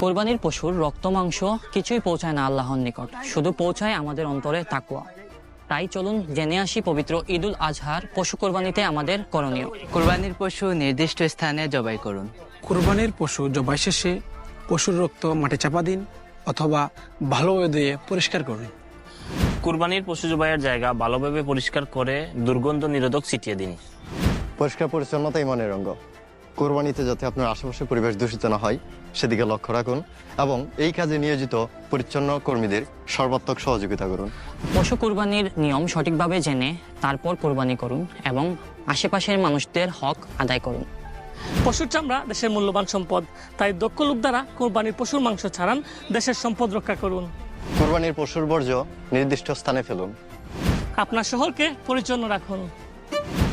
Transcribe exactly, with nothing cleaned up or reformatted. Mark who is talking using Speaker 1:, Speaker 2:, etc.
Speaker 1: কোরবানির পশুর রক্ত মাংস কিছুই পৌঁছায় না আল্লাহর নিকট, শুধু পৌঁছায় আমাদের অন্তরে তাকওয়া। তাই চলুন জেনে আসি পবিত্র ঈদুল আজহার পশু কোরবানিতে আমাদের করণীয়।
Speaker 2: কোরবানির পশু নির্দিষ্ট স্থানে জবাই করুন।
Speaker 3: কোরবানির পশু জবাই শেষে পশুর রক্ত মাটি চাপা দিন অথবা ভালোভাবে ধুয়ে পরিষ্কার করুন।
Speaker 4: কুরবানির পশু জবাইয়ের জায়গা ভালোভাবে পরিষ্কার করে দুর্গন্ধ নিরোধক ছিটিয়ে দিন।
Speaker 5: পরিষ্কার পরিচ্ছন্নতা ইমানের অঙ্গ। কোরবানিতে যাতে আপনার আশেপাশের পরিবেশ দূষিত না হয় সেদিকে লক্ষ্য রাখুন এবং এই কাজে নিয়োজিত পরিচ্ছন্ন কর্মীদের সর্বাত্মক সহযোগিতা করুন।
Speaker 1: পশু কোরবানির নিয়ম সঠিকভাবে জেনে তারপর কোরবানি করুন এবং আশেপাশের মানুষদের হক আদায় করুন।
Speaker 6: পশুর চামড়া দেশের মূল্যবান সম্পদ, তাই দক্ষ লোক দ্বারা কোরবানির পশুর মাংস ছাড়ান, দেশের সম্পদ রক্ষা করুন।
Speaker 5: কোরবানির পশুর বর্জ্য নির্দিষ্ট স্থানে ফেলুন।
Speaker 6: আপনার শহরকে পরিচ্ছন্ন রাখুন।